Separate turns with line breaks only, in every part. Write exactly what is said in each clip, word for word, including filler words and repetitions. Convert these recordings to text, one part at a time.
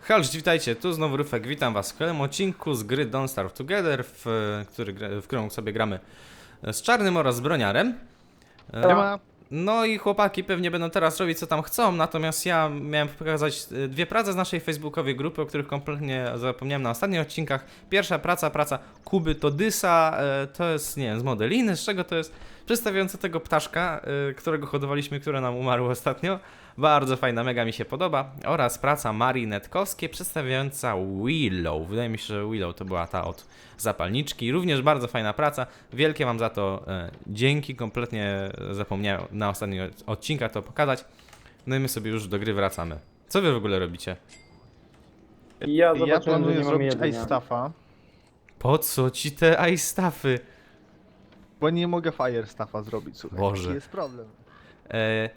Hej, witajcie, tu znowu Ryfek, witam was w kolejnym odcinku z gry Don't Starve Together, w, który, w którą sobie gramy z Czarnym oraz z Broniarem.
Nie ma.
No i chłopaki pewnie będą teraz robić co tam chcą, natomiast ja miałem pokazać dwie prace z naszej facebookowej grupy, o których kompletnie zapomniałem na ostatnich odcinkach. Pierwsza praca, praca Kuby Todysa, to jest, nie wiem, z Modeliny, z czego to jest? Przedstawiająca tego ptaszka, którego hodowaliśmy, które nam umarło ostatnio. Bardzo fajna, mega mi się podoba. Oraz praca Marii Netkowskiej przedstawiająca Willow. Wydaje mi się, że Willow to była ta od zapalniczki. Również bardzo fajna praca. Wielkie wam za to e, dzięki. Kompletnie zapomniałem na ostatnich odcinkach to pokazać. No i my sobie już do gry wracamy. Co wy w ogóle robicie?
Ja,
Ja
ja
zobaczyłem,
planuję
że nie mamy
zrobić
jedzenia.
ice staffa,
Po co ci te ice staffy?
bo nie mogę fire staffa zrobić, słuchaj.
Boże.
Taki jest problem.
E,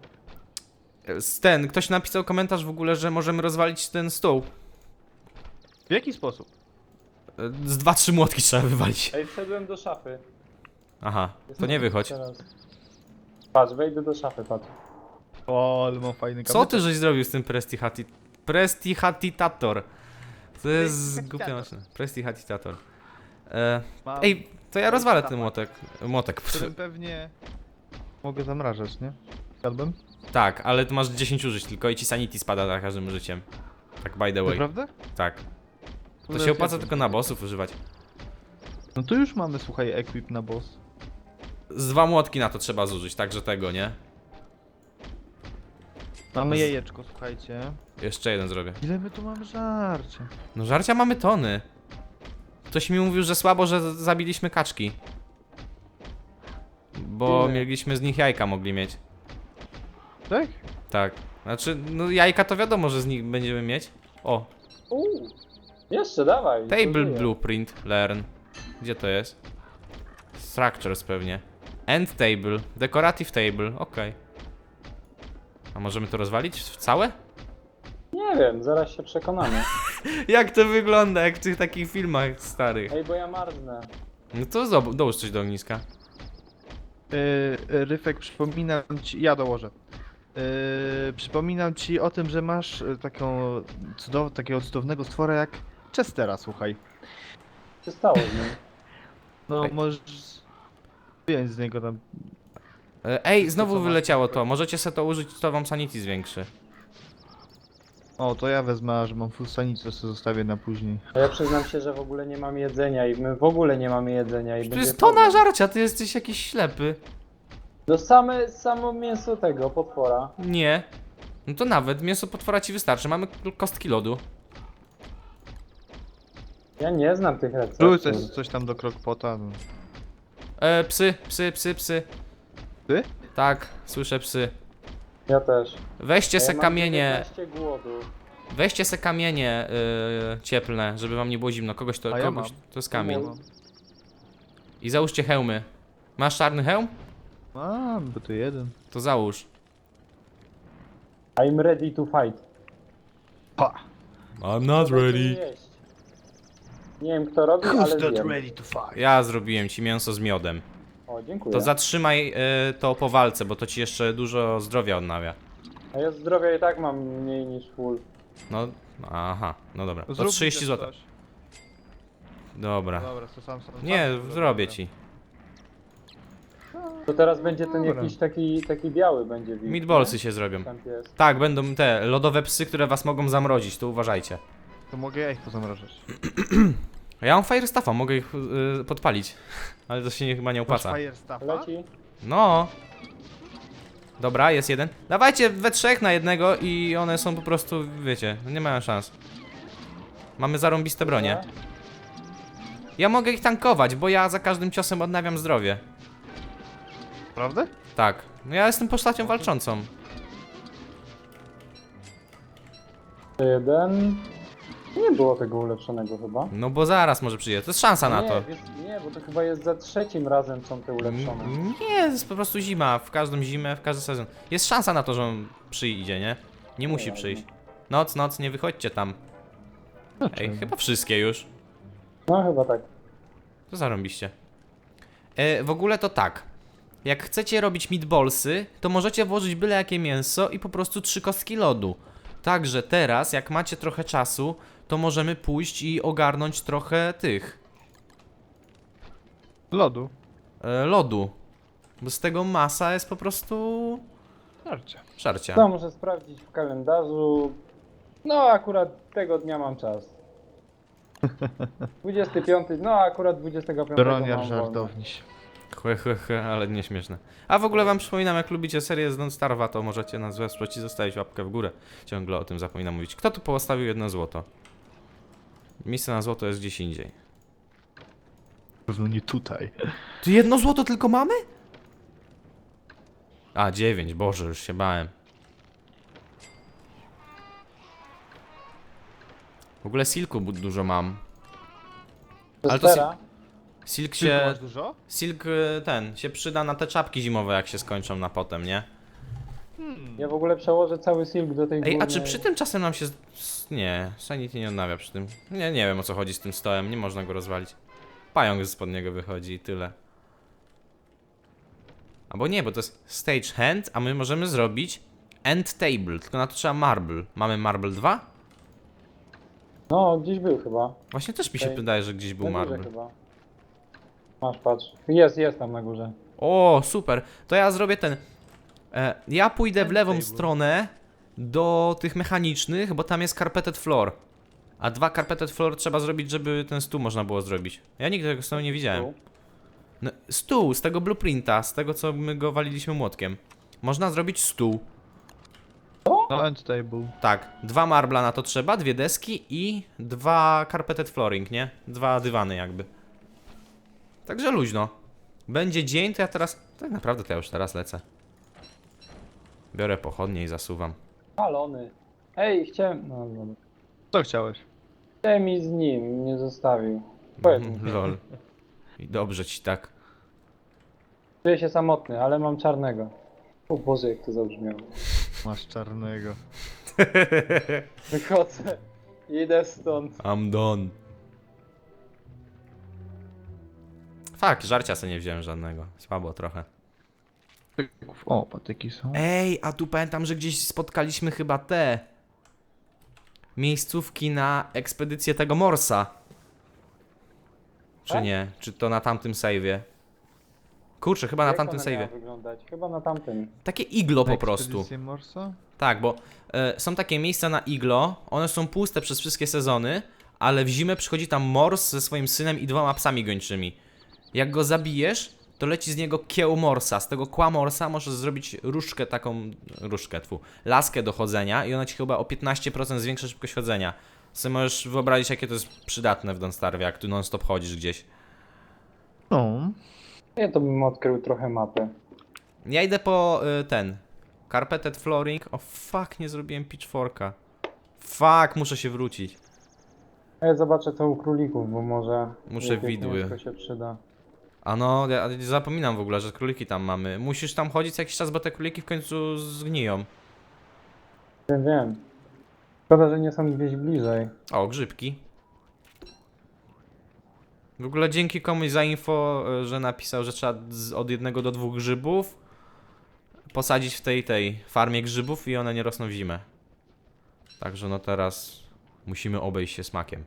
ten, ktoś napisał komentarz w ogóle, że możemy rozwalić ten stół.
W jaki sposób?
E, z dwa, trzy młotki trzeba wywalić.
Ej, wszedłem do szafy.
Aha, to nie wychodź.
Teraz. Patrz, wejdę do szafy, patrz.
O, ale mam fajny
Co
kamyczek.
ty żeś zrobił z tym Prestihati... Prestihatitator? To jest głupia maszyna. Prestihatitator. E,
Mam,
ej, to ja rozwalę ten młotek. Młotek.
którym pewnie mogę zamrażać, nie? Zjadłem?
Tak, ale tu masz dziesięć użyć tylko i ci sanity spada za każdym użyciem. Tak by the way.
Naprawdę?
Tak. To
No
się
ja
opłaca
zjadłem.
tylko na bossów używać.
No to już mamy, słuchaj, equip na boss.
Z dwa młotki na to trzeba zużyć, także tego, nie?
Mamy
Z-
jajeczko, słuchajcie.
Jeszcze jeden zrobię.
Ile my tu mamy żarcia?
No żarcia mamy tony. Ktoś mi mówił, że słabo, że z- zabiliśmy kaczki. Bo
Ile?
mieliśmy z nich jajka mogli mieć.
Tak?
Tak. Znaczy, no jajka to wiadomo, że z nich będziemy mieć. O,
Uuu. Jeszcze, dawaj.
Table
to żyje.
Blueprint, Learn. Gdzie to jest? Structures pewnie. End Table, Decorative Table, okej. A możemy to rozwalić w całe?
Nie wiem, zaraz się przekonamy.
Jak to wygląda, jak w tych takich filmach starych.
Ej, bo ja marznę.
No to zob- dołóż coś do ogniska.
Yy, Ryfek, przypominam ci... Ja dołożę. Yy, przypominam ci o tym, że masz y, taką cudow... takiego cudownego stwora jak Chestera, słuchaj.
Co się stało z nim?
No,
Ej.
możesz wyjąć z niego tam.
E, Ej, znowu
co masz?
wyleciało to. Możecie sobie to użyć, to wam sanity zwiększy.
O, to ja wezmę, a że mam full sanity, to sobie zostawię na później.
A ja przyznam się, że w ogóle nie mamy jedzenia i my w ogóle nie mamy jedzenia i
To
będzie
jest tona
problem.
żarcia, ty jesteś jakiś ślepy.
No same, samo mięso tego, potwora.
Nie. No to nawet mięso potwora ci wystarczy, mamy kostki lodu.
Ja nie znam tych receptów.
Rzuć coś, coś tam do crockpota. No.
E, psy, psy, psy, psy.
Ty?
Tak, słyszę psy.
Ja też.
Weźcie
Ja
se
mam
kamienie,
dziewiętnaście głodu.
weźcie se kamienie yy, cieplne, żeby wam nie było zimno. Kogoś to,
A ja
kogoś,
mam.
to jest kamień.
Mam.
I załóżcie hełmy. Masz czarny hełm?
Mam, bo to jeden.
To załóż.
I'm ready to fight.
Pa!
I'm not
Co będziemy jeść? Nie wiem kto robi, ale wiem.
ready to fight?
Ja zrobiłem ci mięso z miodem.
O, dziękuję.
To zatrzymaj yy, to po walce, bo to ci jeszcze dużo zdrowia odnawia.
A ja zdrowia i tak mam mniej niż full.
No, aha, no dobra. To
Zrób mi
trzydzieści
też
złotych.
coś.
Dobra.
Dobra, to sam sam.
Nie,
sam
zrobię
dobra.
ci.
To teraz będzie ten
Dobra.
jakiś taki, taki biały będzie wilk.
Meatballsy się zrobią.
nie? Tam jest.
Tak, będą te lodowe psy, które was mogą zamrozić, to uważajcie.
To mogę ja ich pozamrażać.
Ja mam fire staffa, mogę ich yy, podpalić. Ale to się nie, chyba nie
Masz
opłaca.
fire staffa?
Leci.
No. Dobra, jest jeden. Dawajcie we trzech na jednego i one są po prostu, wiecie, nie mają szans. Mamy zarąbiste bronie. Ja mogę ich tankować, bo ja za każdym ciosem odnawiam zdrowie.
Prawda?
Tak. No ja jestem postacią walczącą.
Jeden. Nie było tego ulepszonego chyba.
No bo zaraz może przyjdzie. To jest szansa na
nie,
to.
Wiesz, nie, bo to chyba jest za trzecim razem są te ulepszone.
N- Nie, to jest po prostu zima. W każdą zimę, w każdy sezon. Jest szansa na to, że on przyjdzie, nie? Nie musi
ważne.
przyjść. Noc, noc, nie wychodźcie tam. Ej, chyba wszystkie już.
No chyba tak.
To zarąbiście. E, w ogóle to tak. Jak chcecie robić meatballsy, to możecie włożyć byle jakie mięso i po prostu trzy kostki lodu. Także teraz, jak macie trochę czasu, to możemy pójść i ogarnąć trochę tych
Lodu.
e, lodu. Bo z tego masa jest po prostu
Żarcie.
żarcia.
No, muszę sprawdzić w kalendarzu. No, akurat tego dnia mam czas. dwudziesty piąty, no akurat dwudziestego piątego
Broniar
mam wolne.
żartowniś.
Chłe, chłe, chłe, ale nieśmieszne. A w ogóle wam przypominam, jak lubicie serię z Don't Starve'a, to możecie nas wesprzeć i zostawić łapkę w górę. Ciągle o tym zapominam mówić. Kto tu postawił jedno złoto? Miejsce na złoto jest gdzieś indziej.
Pewno nie tutaj.
Tu jedno złoto tylko mamy? A, dziewięć, Boże, już się bałem. W ogóle silku bu- dużo mam.
To
Ale to
stera.
Silk
Ty
się...
masz dużo?
Silk y, ten, się przyda na te czapki zimowe, jak się skończą na potem, nie?
Hmm.
Ja w ogóle przełożę cały silk do tej
Ej, a
górnej.
czy przy tym czasem nam się... z- s- Nie, Sanity nie odnawia przy tym. Nie, nie wiem o co chodzi z tym stołem, nie można go rozwalić. Pająk spod niego wychodzi i tyle. Albo nie, bo to jest stage hand, a my możemy zrobić end table, tylko na to trzeba marble. Mamy marble dwa?
No, gdzieś był chyba.
Właśnie też mi się
Okej.
wydaje, że gdzieś był
Na górze
marble.
chyba. Masz, patrz. Jest, jest tam na górze.
O, super. To ja zrobię ten... E, ja pójdę w
End
lewą
table.
stronę do tych mechanicznych, bo tam jest carpeted floor. A dwa carpeted floor trzeba zrobić, żeby ten stół można było zrobić. Ja nigdy tego stołu nie widziałem.
Tu.
No, stół, z tego blueprinta, z tego co my go waliliśmy młotkiem. Można zrobić stół.
No, end table.
Tak, dwa marbla na to trzeba, dwie deski i dwa carpeted flooring, nie? Dwa dywany jakby. Także luźno. Będzie dzień, to ja teraz... Tak naprawdę to ja już teraz lecę. Biorę pochodnie i zasuwam.
Palony. Ej, chciałem... No, no.
Co chciałeś?
Chciałem i z nim, nie zostawił. Powiedz mi.
Mhm, lol. I dobrze ci tak.
Czuję się samotny, ale mam czarnego. O Boże, jak to zabrzmiało.
Masz czarnego.
Wychodzę. Idę stąd.
I'm done. Fakt, żarcia sobie nie wziąłem żadnego. Słabo trochę.
O, patyki są.
Ej, a tu pamiętam, że gdzieś spotkaliśmy chyba te miejscówki na ekspedycję tego Morsa. Czy
Tak?
nie? Czy to na tamtym save'ie? Kurczę, chyba na
Jak
tamtym
one miały
save'ie.
wyglądać? Chyba na tamtym.
Takie iglo po
Na
prostu.
ekspedycję Morsa?
Tak, bo e, są takie miejsca na iglo, one są puste przez wszystkie sezony, ale w zimę przychodzi tam Mors ze swoim synem i dwoma psami gończymi. Jak go zabijesz, to leci z niego kieł Morsa. Z tego kła Morsa możesz zrobić różdżkę taką, różdżkę, tfu, laskę do chodzenia i ona ci chyba o piętnaście procent zwiększa szybkość chodzenia. Sobie możesz wyobrazić, jakie to jest przydatne w Don't Starve, jak tu non stop chodzisz gdzieś.
No.
Ja to bym odkrył trochę mapę.
Ja idę po y, ten, carpeted flooring. O fuck, nie zrobiłem pitchforka. Fuck, muszę się wrócić.
A ja zobaczę co u królików, bo może...
Muszę
jakieś
widły.
mięsko się przyda.
A no, ja zapominam w ogóle, że króliki tam mamy. Musisz tam chodzić co jakiś czas, bo te króliki w końcu zgniją.
Wiem, wiem. Szkoda, że nie są gdzieś bliżej.
O, grzybki. W ogóle dzięki komuś za info, e, że napisał, że trzeba z, od jednego do dwóch grzybów posadzić w tej, tej farmie grzybów i one nie rosną w zimę. Także no teraz musimy obejść się smakiem.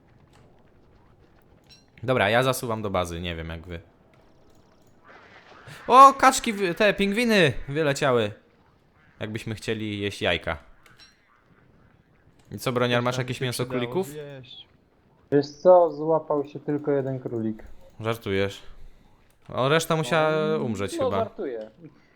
Dobra, ja zasuwam do bazy, nie wiem jak wy. O, kaczki, wy- te pingwiny wyleciały. Jakbyśmy chcieli jeść jajka. I co, Broniar, masz
Tam
jakieś
się
mięso
przydało
królików?
zjeść.
Wiesz co, złapał się tylko jeden królik.
Żartujesz. O, reszta musiała
No,
umrzeć
no,
chyba.
żartuję.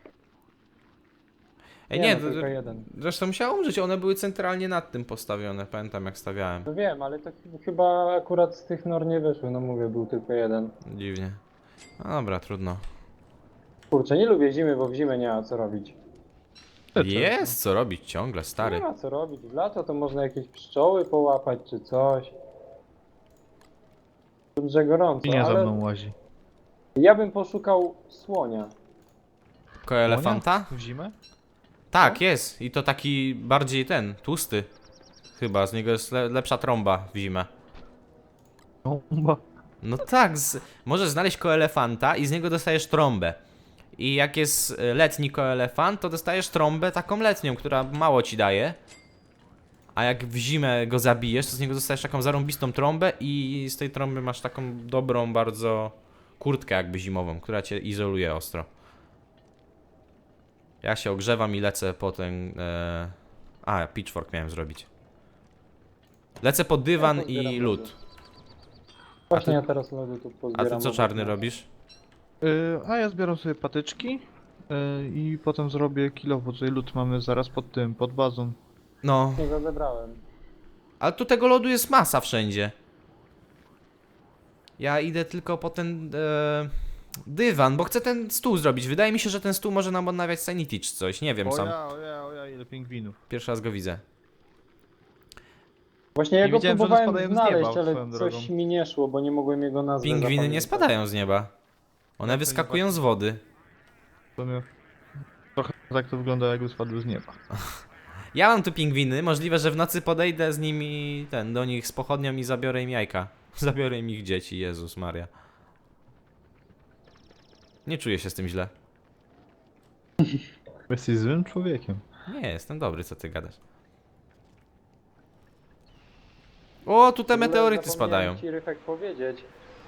Ej,
nie,
nie,
no,
d-
tylko
d-
jeden.
reszta musiała umrzeć, one były centralnie nad tym postawione, pamiętam jak stawiałem.
No wiem, ale to ch- chyba akurat z tych nor nie wyszły, no mówię, był tylko jeden.
Dziwnie. No dobra, trudno.
Kurczę, nie lubię zimy, bo w zimę nie ma co robić.
Jest co robić ciągle,
Nie
stary.
ma co robić, w lato to można jakieś pszczoły połapać czy coś. Dobrze gorąco,
I nie za
ale
mną łazi.
ja bym poszukał słonia.
Ko elefanta?
W zimę?
Tak, jest. I to taki bardziej ten, tłusty. Chyba, z niego jest le lepsza trąba w zimę.
No, bo...
No tak, z... możesz znaleźć koelefanta i z niego dostajesz trąbę. I jak jest e, letni koelefant, to dostajesz trąbę taką letnią, która mało ci daje. A jak w zimę go zabijesz, to z niego dostajesz taką zarąbistą trąbę i z tej trąby masz taką dobrą bardzo kurtkę jakby zimową, która cię izoluje ostro. Ja się ogrzewam i lecę po ten... E... A, pitchfork miałem zrobić. Lecę po dywan
Ja pozbieram
i
lody.
lód.
Właśnie
ty-
ja teraz lody tu
A
pozbieram.
ty co
obok
czarny
nas.
robisz?
Y, a ja zbieram sobie patyczki y, i potem zrobię kilo, bo tutaj lód mamy zaraz pod tym, pod bazą.
No,
Nie go zebrałem.
ale tu tego lodu jest masa wszędzie. Ja idę tylko po ten e, dywan, bo chcę ten stół zrobić. Wydaje mi się, że ten stół może nam odnawiać sanity czy coś. Nie wiem
O
sam.
ja, o ja, o ja, ile pingwinów.
Pierwszy raz go widzę.
Właśnie ja
Nie
go
wiedziałem, że one
próbowałem
spadają z
znaleźć,
nieba,
ale
swoją
coś
drogą.
mi nie szło, bo nie mogłem jego nazwy
Pingwiny nie
zapamiętać.
spadają z nieba. One
Jak to nie
wyskakują z wody.
To mnie... Trochę tak to wygląda, jakby spadły z nieba.
Ja mam tu pingwiny. Możliwe, że w nocy podejdę z nimi, ten, do nich z pochodnią i zabiorę im jajka. Zabiorę im ich dzieci, Jezus Maria. Nie czuję się z tym źle.
Jesteś złym człowiekiem.
Nie, jestem dobry, co ty gadasz. O, tu te
W ogóle
meteoryty
zapomniałem
spadają.
ci, Ryfek, powiedzieć.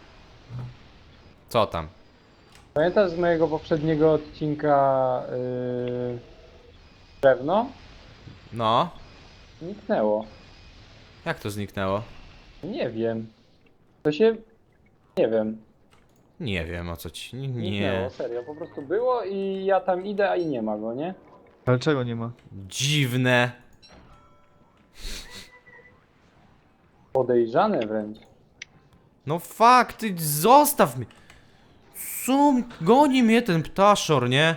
Co tam?
Pamiętasz z mojego poprzedniego odcinka yy... drewno?
No,
Zniknęło.
jak to zniknęło?
Nie wiem. To się... Nie wiem.
Nie wiem o co ci. Nie.
Zniknęło, serio. Po prostu było i ja tam idę, a i nie ma go, nie?
Ale czego nie ma?
Dziwne.
Podejrzane wręcz.
No fakt, ty zostaw mnie. Co? Goni mnie ten ptaszor, nie?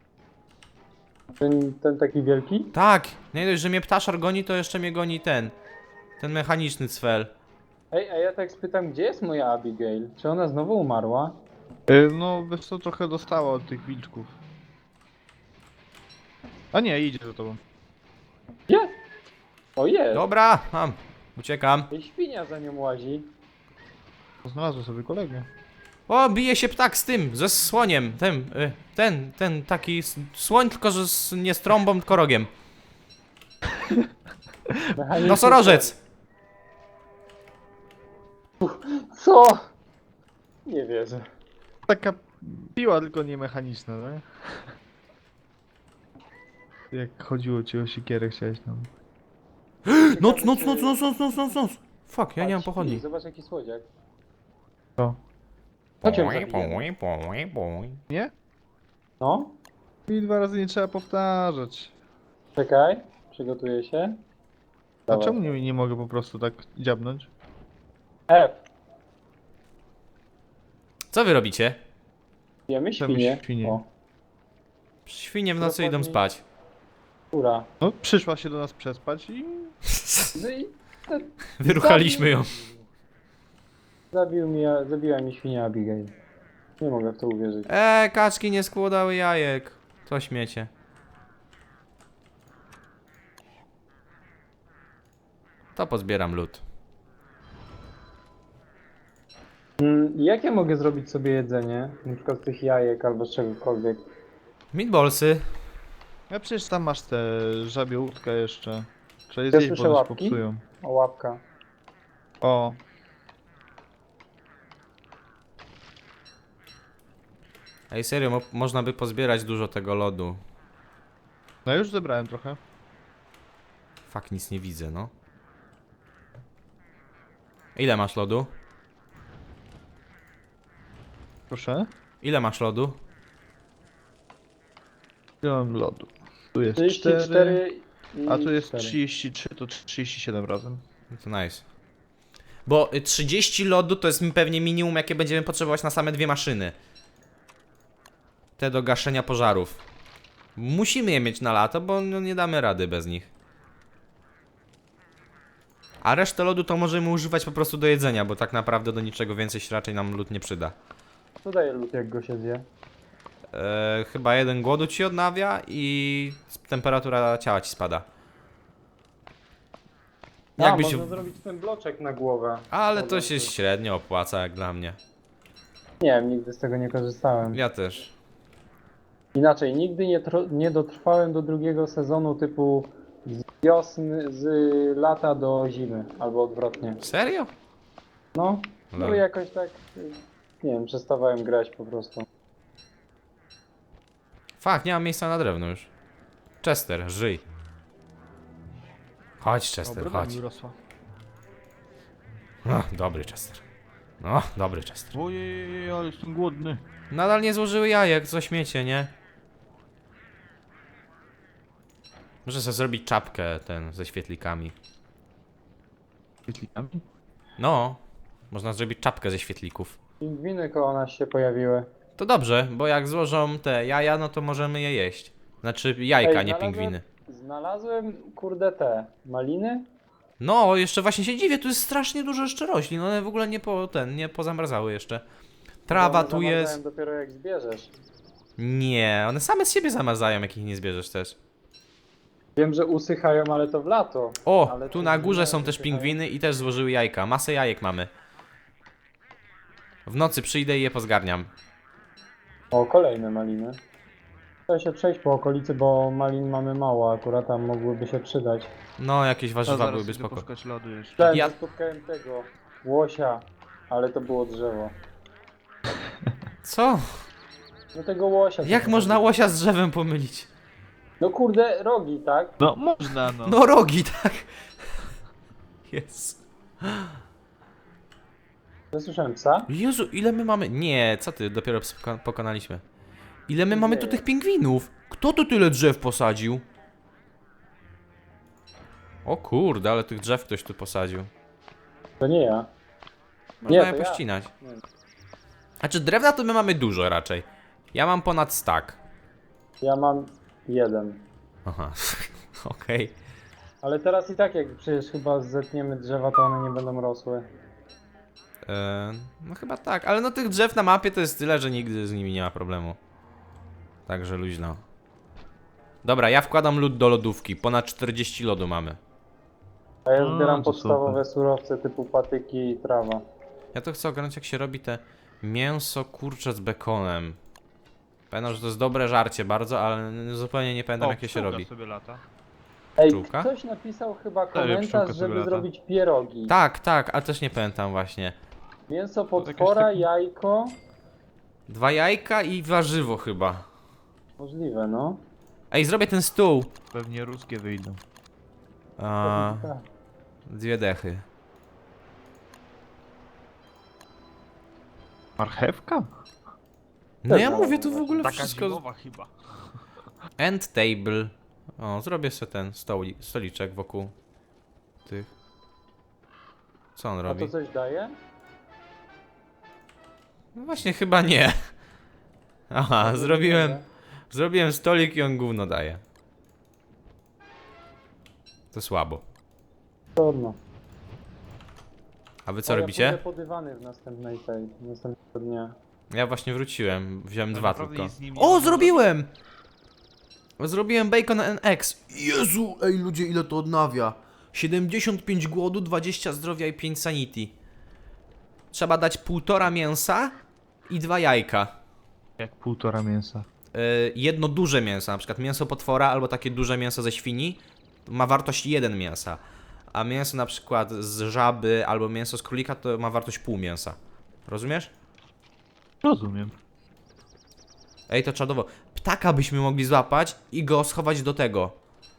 Ten, ten taki wielki?
Tak, nie dość, że mnie ptaszor goni, to jeszcze mnie goni ten. Ten mechaniczny cfel.
Ej, a ja tak spytam, gdzie jest moja Abigail? Czy ona znowu umarła?
Y, no, wiesz co, trochę dostała od tych wilczków. A nie, idzie za tobą.
Jest! O, jest!
Dobra, mam. Uciekam.
I świnia za nią łazi.
Znalazłem sobie kolegę.
O, bije się ptak z tym, ze słoniem. Ten, y, ten, ten taki s- słoń, tylko że z, nie z trąbą, tylko rogiem.
Mechaniczny
Nosorożec!
Co? Nie wierzę.
Taka piła, tylko nie mechaniczna, tak? Jak chodziło ci o siekierę, chciałeś tam.
Noc, noc, noc, noc, noc, noc, noc, noc. Fuck, ja nie mam pochodni.
Zobacz jaki słodziak.
Co?
Chodź ją zabijemy.
Nie?
No,
I dwa razy nie trzeba powtarzać.
czekaj. Przygotuję się.
A
Dawaj.
czemu nie, nie mogę po prostu tak dziabnąć?
F.
Co wy robicie?
Jemy
Chcemy
świnie.
świnie.
O,
Świnie w nocy idą
Dokładnie.
spać.
kura.
No, przyszła się do nas przespać i...
No i
Wyruchaliśmy ją.
zabił mi, zabiła mi świnia Abigail. Nie mogę w to uwierzyć.
Eee, kaczki nie składały jajek. To śmiecie. To pozbieram lód.
Mm, jak ja mogę zrobić sobie jedzenie? Na przykład z tych jajek albo z czegokolwiek.
Meatballsy.
Ja przecież tam masz tę żabią łódkę jeszcze. Trzeba je
Ja
zjeść,
słyszę
bo one się
łapki.
popsują.
O, łapka.
O,
Ej, serio, mo można by pozbierać dużo tego lodu.
no już zebrałem trochę.
Fak, nic nie widzę, no. Ile masz lodu?
Proszę.
Ile masz lodu?
Ile mam lodu? Tu jest
trzydzieści
cztery,
cztery i
a tu jest
cztery.
trzydzieści trzy, to trzydzieści siedem razem.
No to nice. Bo y, trzydzieści lodu to jest mi pewnie minimum, jakie będziemy potrzebować na same dwie maszyny. Te do gaszenia pożarów. Musimy je mieć na lato, bo no, nie damy rady bez nich. A resztę lodu to możemy używać po prostu do jedzenia, bo tak naprawdę do niczego więcej się raczej nam lód nie przyda.
Co daje lód, jak go się zje?
Eee, chyba jeden głodu ci odnawia i temperatura ciała ci spada.
A,
Jakbyś...
można zrobić ten bloczek na głowę.
Ale
Dobra,
to się średnio opłaca jak dla mnie.
Nie wiem, nigdy z tego nie korzystałem.
Ja też.
Inaczej, nigdy nie, tro- nie dotrwałem do drugiego sezonu typu z- wiosny, z lata do zimy, albo odwrotnie.
Serio?
No, no
Lol.
jakoś tak, y, nie wiem, przestawałem grać po prostu.
Fakt, nie mam miejsca na drewno już. Chester, żyj. Chodź, Chester,
broda
chodź.
mi urosła.
No, dobry Chester. No, dobry Chester.
Ojej, ale jestem głodny.
Nadal nie złożyły jajek, co śmiecie, nie? Muszę sobie zrobić czapkę ten ze świetlikami.
Świetlikami?
No, można zrobić czapkę ze świetlików.
Pingwiny koło nas się pojawiły.
To dobrze, bo jak złożą te jaja, no to możemy je jeść. Znaczy jajka,
Ej,
nie
znalazłem-
pingwiny.
Znalazłem, kurde, te maliny.
No, jeszcze właśnie się dziwię, tu jest strasznie dużo jeszcze roślin, one w ogóle nie po ten, nie pozamrazały jeszcze. Trawa
One
tu
zamarzają
jest.
dopiero jak zbierzesz.
Nie, one same z siebie zamarzają, jak ich nie zbierzesz też.
Wiem, że usychają, ale to w lato.
O,
Ale
tu
te
na górze
inne
są też
usychają.
pingwiny i też złożyły jajka. Masę jajek mamy. W nocy przyjdę i je pozgarniam.
O, kolejne maliny. Chcę się przejść po okolicy, bo malin mamy mało, akurat tam mogłyby się przydać.
No, jakieś
A
warzywa
zaraz
byłyby
idę
spoko.
poszukać lodu jeszcze.
Ten,
Ja-
ja... spotkałem tego łosia, ale to było drzewo.
Co?
No tego łosia.
Jak
to-
można łosia z drzewem pomylić?
No kurde, rogi, tak?
No można no.
No rogi, tak. Jest.
Zasłyszałem psa?
Jezu, ile my mamy... Nie, co ty, dopiero poko- pokonaliśmy. Ile my mamy tu
Nie.
tych pingwinów? Kto tu tyle drzew posadził? O kurde, ale tych drzew ktoś tu posadził.
To nie ja.
Można
Nie,
je
to ja.
pościnać.
Nie.
Znaczy drewna to my mamy dużo raczej. Ja mam ponad stack.
Ja mam jeden.
Aha, okej.
Ale teraz i tak jak przecież chyba zetniemy drzewa, to one nie będą rosły.
E, No chyba tak, ale no tych drzew na mapie to jest tyle, że nigdy z nimi nie ma problemu. Także luźno. Dobra, ja wkładam lód do lodówki. Ponad czterdzieści lodu mamy.
A ja
A,
zbieram
to
podstawowe surowce typu patyki i trawa.
Ja to chcę ogarnąć jak się robi te mięso kurcze z bekonem. Pamiętam, że to jest dobre żarcie bardzo, ale zupełnie nie pamiętam jak je się
pszczółka
robi.
sobie lata.
Ej,
Pszczółka?
ktoś napisał chyba
pszczółka
komentarz,
sobie
żeby
lata.
zrobić pierogi.
Tak, tak, a też nie pamiętam właśnie.
Mięso
jakaś
potwora,
taka-
jajko.
Dwa jajka i warzywo chyba.
Możliwe, no.
Ej, zrobię ten stół.
Pewnie ruskie wyjdą.
A,
Tak.
dwie dechy.
Marchewka?
No ja
Też
mówię tu w
mam
ogóle
Taka
wszystko.
zimowa chyba.
End table. O, zrobię sobie ten stoli, stoliczek wokół tych. Co on
A
robi?
to coś daje?
No właśnie chyba nie. Aha,
To
zrobiłem,
daje?
zrobiłem stolik i on gówno daje. To słabo.
Trudno.
A wy co
O,
robicie?
Ja pójdę po dywany w następnej tej, następnego dnia.
Ja właśnie wróciłem, wziąłem
Tak
dwa
naprawdę
tylko.
nic z nim nie
O,
można
zrobiłem! Zrobiłem Bacon N X. Jezu, ej ludzie, ile to odnawia? siedemdziesiąt pięć głodu, dwadzieścia zdrowia i pięć sanity. Trzeba dać półtora mięsa i dwa jajka.
Jak półtora mięsa.
Yy, jedno duże mięso, na przykład mięso potwora albo takie duże mięso ze świni ma wartość jeden mięsa. A mięso na przykład z żaby albo mięso z królika to ma wartość pół mięsa. Rozumiesz?
Rozumiem.
Ej, to czadowo. Ptaka byśmy mogli złapać i go schować do tego.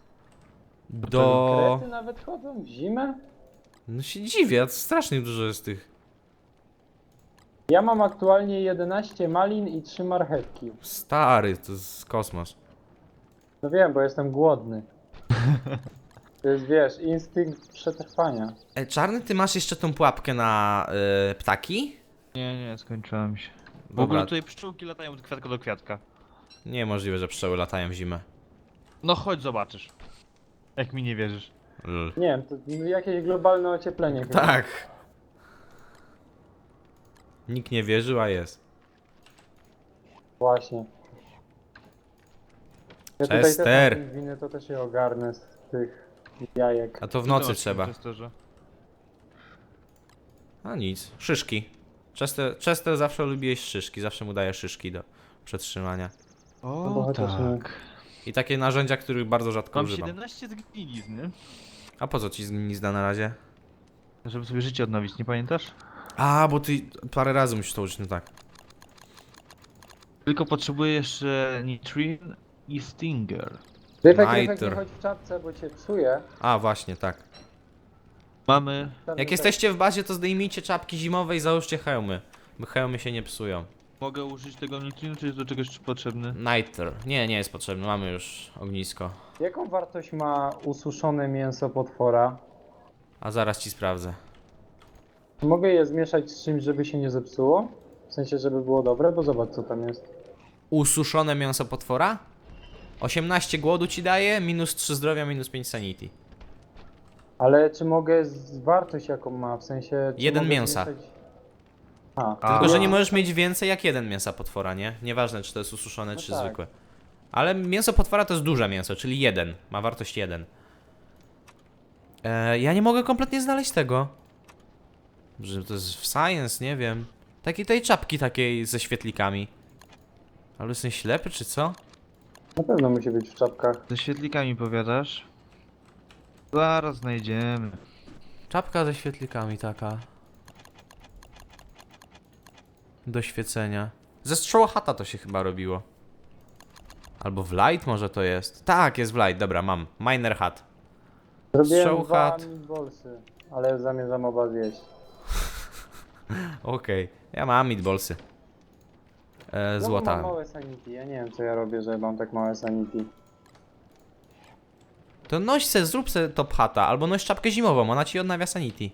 Do...
Krety nawet chodzą w zimę?
No się dziwię, to strasznie dużo jest tych.
Ja mam aktualnie jedenaście malin i trzy marchewki.
Stary, to jest kosmos.
No wiem, bo jestem głodny. To jest, wiesz, instynkt przetrwania.
Ej, Czarny, ty masz jeszcze tą pułapkę na y, ptaki?
Nie, nie, skończyłem się. W
Dobra.
ogóle tutaj pszczółki latają od kwiatka do kwiatka.
Niemożliwe, że pszczoły latają w zimę.
No chodź zobaczysz. Jak mi nie wierzysz.
Lol.
Nie wiem, to jakieś globalne ocieplenie chyba.
Tak. Nikt nie wierzył, a jest.
Właśnie. Ja tutaj
Chester.
też mam pingwiny, to też je ogarnę z tych jajek.
A to w
Co ty
nocy
masz
trzeba.
w Chesterze?
A nic. Szyszki. Chester, Chester zawsze lubi jeść szyszki, zawsze mu daje szyszki do przetrzymania.
No bo
O
chociaż nie-
tak.
I takie narzędzia, których bardzo rzadko
Mam
używam.
siedemnaście zgnilizn, nie?
A po co ci zgnizda na razie?
Żeby sobie życie odnowić, nie pamiętasz?
A, bo ty parę razy musisz to użyć, no tak.
Tylko potrzebuję jeszcze Nitrin i Stinger.
Ryfek, Ryfek, nie
Nitre.
chodź w czapce, bo cię psuje.
A, właśnie, tak.
Mamy...
Jak jesteście w bazie, to zdejmijcie czapki zimowe i załóżcie hełmy. Bo hełmy się nie psują.
Mogę użyć tego Nitrinu, czy jest do czegoś potrzebny?
Nitro. Nie, nie jest potrzebny, mamy już ognisko.
Jaką wartość ma ususzone mięso potwora?
A zaraz ci sprawdzę.
Mogę je zmieszać z czymś, żeby się nie zepsuło? W sensie, żeby było dobre, bo zobacz co tam jest.
Ususzone mięso potwora? osiemnaście głodu ci daje, minus trzy zdrowia, minus pięć sanity.
Ale czy mogę z wartość jaką ma? W sensie... Czy
Jeden
mogę
mięsa.
zmieszać... A,
A.
Tylko, że
ja-
nie możesz mieć więcej jak jeden mięsa potwora, nie? Nieważne, czy to jest ususzone,
No
czy
tak.
zwykłe. Ale mięso potwora to jest duże mięso, czyli jeden. Ma wartość jeden. E, ja nie mogę kompletnie znaleźć tego. Że to jest w science, nie wiem. Takiej tej czapki takiej ze świetlikami. Ale jestem ślepy, czy co?
Na pewno musi być w czapkach.
Ze świetlikami powiadasz? Zaraz znajdziemy.
Czapka ze świetlikami taka. Do świecenia. Ze Straw Hata to się chyba robiło. Albo w Light może to jest. Tak, jest w Light, dobra, mam. Miner Hat.
Zrobiłem
Strzał
dwa
chat.
meatballsy, ale zamierzam oba zjeść.
Okej, ja mam meatballsy. E,
Znowu mam
złota.
małe sanity, ja nie wiem co ja robię, że mam tak małe sanity.
To noś se, zrób se top hata, albo noś czapkę zimową, ona ci odnawia sanity.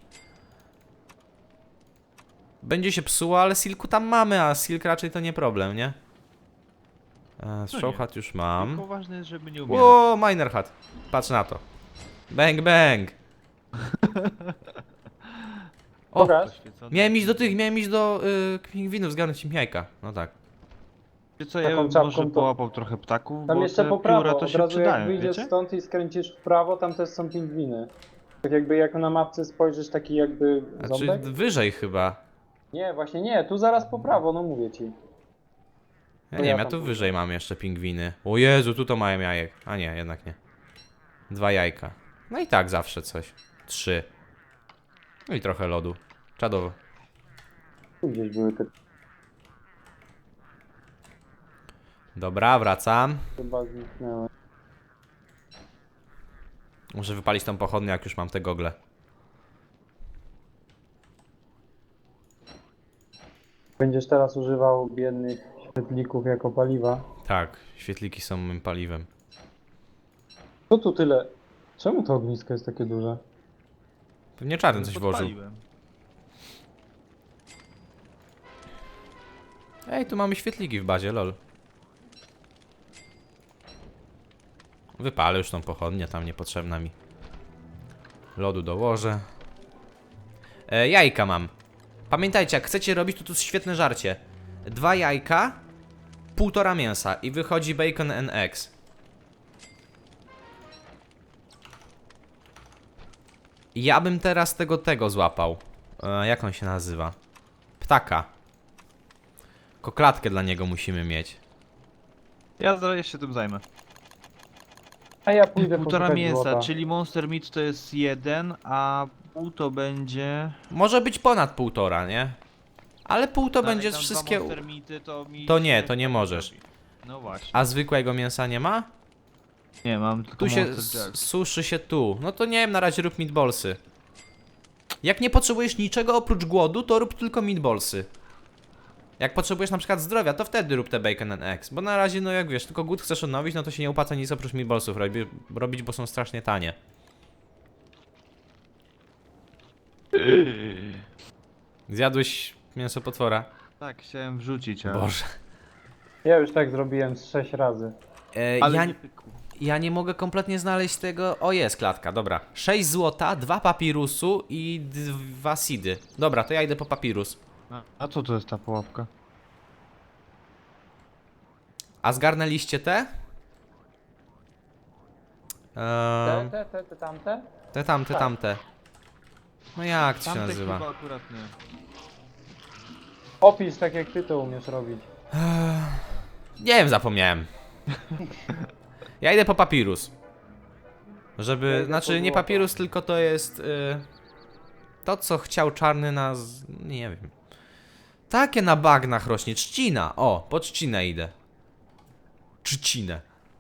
Będzie się psuło, ale silku tam mamy, a silk raczej to nie problem, nie? E, Straw
nie.
Hat już mam.
Tylko ważne jest, żeby nie umierać.
Ło, Miner Hat. Patrz na to. Bang, bang. O,
Pokaż.
Poświecony.
miałem iść do tych, miałem iść do y, pingwinów, zgarnąć im jajka. No tak.
Wiecie co,
Taką
ja bym
czapką
może
to-
połapał trochę ptaków,
Tam
bo
jeszcze
te
po
pióra
prawo,
to
od
się
razu
przydają,
jak wyjdziesz
wiecie?
stąd i skręcisz w prawo, tam też są pingwiny. Tak jakby jak na mapce spojrzysz taki jakby
Znaczy
ząbek?
wyżej chyba.
Nie, właśnie nie, tu zaraz po prawo, no mówię ci.
Ja
To
nie wiem,
ja
ja
tam
tu
pójdę.
wyżej mam jeszcze pingwiny. O Jezu, tu to mają jajek. A nie, jednak nie. Dwa jajka. No i tak zawsze coś. Trzy. No i trochę lodu. Czadowo.
Tu gdzieś były te
Dobra, wracam.
chyba zniknęły.
Muszę wypalić tą pochodnię, jak już mam te gogle.
Będziesz teraz używał biednych świetlików jako paliwa.
Tak, świetliki są moim paliwem.
Co tu tyle? Czemu to ognisko jest takie duże?
Pewnie czarny coś włożył.
Podpaliłem.
Ej, tu mamy świetliki w bazie, lol. Wypalę już tą pochodnię, tam niepotrzebna mi. Lodu dołożę. E, jajka mam. Pamiętajcie, jak chcecie robić, to tu jest świetne żarcie. Dwa jajka, półtora mięsa i wychodzi bacon and eggs. Ja bym teraz tego, tego złapał. E, jak on się nazywa? Ptaka. Koklatkę dla niego musimy mieć.
Ja zaraz się tym zajmę.
A ja pójdę
Półtora
poszukać
mięsa,
złota.
czyli Monster Meat to jest jeden, a pół to będzie...
Może być ponad półtora, nie? Ale pół to
Dalej
będzie
tam
wszystkie...
dwa Monster Meaty, to, mi
To nie,
się
to nie
tak
możesz.
robi. No właśnie.
A zwykłego mięsa nie ma?
Nie, mam tylko
Tu się
Monster
s-
Jerk.
suszy się tu. No to nie wiem, na razie rób meatballsy. Jak nie potrzebujesz niczego oprócz głodu, to rób tylko meatballsy. Jak potrzebujesz na przykład zdrowia, to wtedy rób te bacon and eggs. Bo na razie, no jak wiesz, tylko głód chcesz odnowić, no to się nie opłaca nic oprócz meatballsów robi, robić, bo są strasznie tanie. Zjadłeś mięso potwora?
Tak, chciałem wrzucić, ale...
Boże.
Ja już tak zrobiłem z sześć razy.
E,
Ale
ja,
nie pykło.
ja nie mogę kompletnie znaleźć tego... O, jest klatka, dobra. sześć złota, dwa papirusu i dwa seedy. Dobra, to ja idę po papirus.
A, a co to jest ta pułapka?
A zgarnęliście te?
Te,
Ehm,
te, te, te, tamte?
te tamte,
tak.
tamte. No jak to się
Tamte
nazywa?
chyba akurat nie.
Opisz tak jak ty to umiesz robić.
Nie wiem, zapomniałem. Ja idę po papirus.
Ja
Żeby,
idę
znaczy
po
nie
złoto.
papirus, tylko to jest y, to, co chciał czarny nas, nie wiem. Takie na bagnach rośnie, trzcina. O, po trzcinę idę. Trzcinę.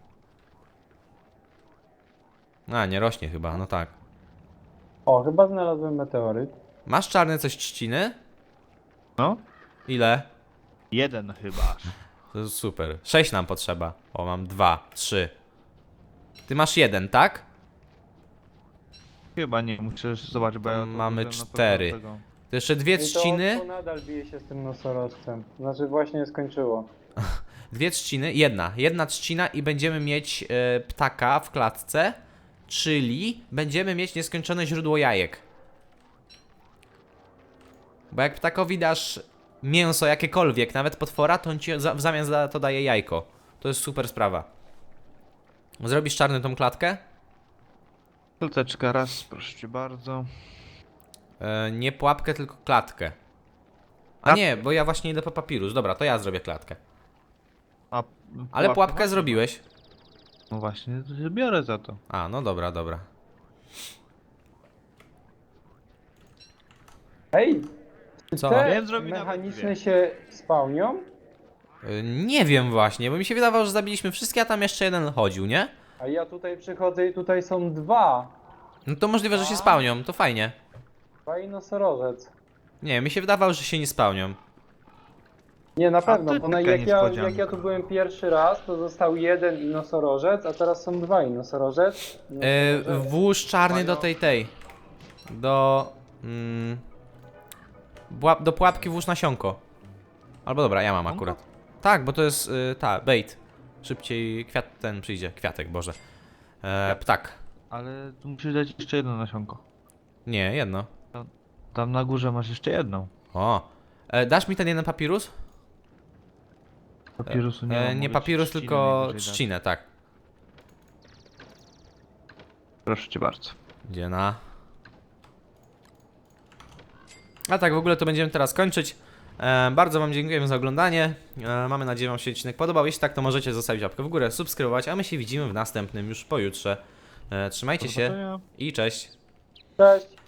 A, nie rośnie chyba, no tak.
O, chyba znalazłem meteoryt.
Masz czarny coś trzciny?
No?
Ile?
Jeden chyba.
To jest super. Sześć nam potrzeba. O, mam dwa, trzy. Ty masz jeden, tak?
Chyba nie, muszę zobaczyć, bo
To
ja... to
mamy
użyłem na pewno
cztery.
tego.
To jeszcze dwie
I to
trzciny.
to nadal bije się z tym nosorożcem. Znaczy właśnie skończyło.
Dwie trzciny, jedna. Jedna trzcina i będziemy mieć e, ptaka w klatce. Czyli będziemy mieć nieskończone źródło jajek. Bo jak ptakowi dasz mięso jakiekolwiek, nawet potwora, to on ci za, w zamian za to daje jajko. To jest super sprawa. Zrobisz czarny tą klatkę?
Klateczka raz, proszę cię bardzo.
E, nie pułapkę, tylko klatkę. A
Klatkę.
nie, bo ja właśnie idę po papirus. Dobra, to ja zrobię klatkę.
A,
Ale pułapkę
właśnie-
zrobiłeś.
No właśnie, to się biorę za to.
A, no dobra, dobra.
Ej! Czy
Co?
te
Wiem, zrobi nawet
mechaniczne
dwie.
się spełnią?
E, nie wiem właśnie, bo mi się wydawało, że zabiliśmy wszystkie, a tam jeszcze jeden chodził, nie?
A ja tutaj przychodzę i tutaj są dwa.
No to możliwe, że się spełnią, to fajnie.
Dwa i nosorożec.
Nie, mi się wydawało, że się nie spełnią.
Nie, na
A
pewno,
to
bo na,
taka
jak, ja,
niespodzianka.
jak ja tu byłem pierwszy raz, to został jeden i nosorożec, a teraz są dwa i nosorożec. i
E,
nosorożec.
włóż czarny do tej tej. Do. Mm, bła- do pułapki włóż nasionko. Albo dobra, ja mam akurat. Tak, bo to jest y, ta, bait. Szybciej kwiat ten przyjdzie. Kwiatek, Boże. E, ptak.
Ale tu musisz dać jeszcze jedno nasionko.
Nie, jedno.
Tam na górze masz jeszcze jedną.
O. E, dasz mi ten jeden papirus?
Papirusu nie ma.
E, nie
mogę ci
papirus,
trzcinę
tylko
najwyżej dać.
trzcinę, tak.
Proszę cię bardzo.
Gdzie na? A tak, w ogóle to będziemy teraz kończyć. E, bardzo wam dziękujemy za oglądanie. E, mamy nadzieję, wam się odcinek podobał. Jeśli tak, to możecie zostawić łapkę w górę, subskrybować, a my się widzimy w następnym już pojutrze. E, trzymajcie
Do
się
zobaczenia.
i cześć.
Cześć!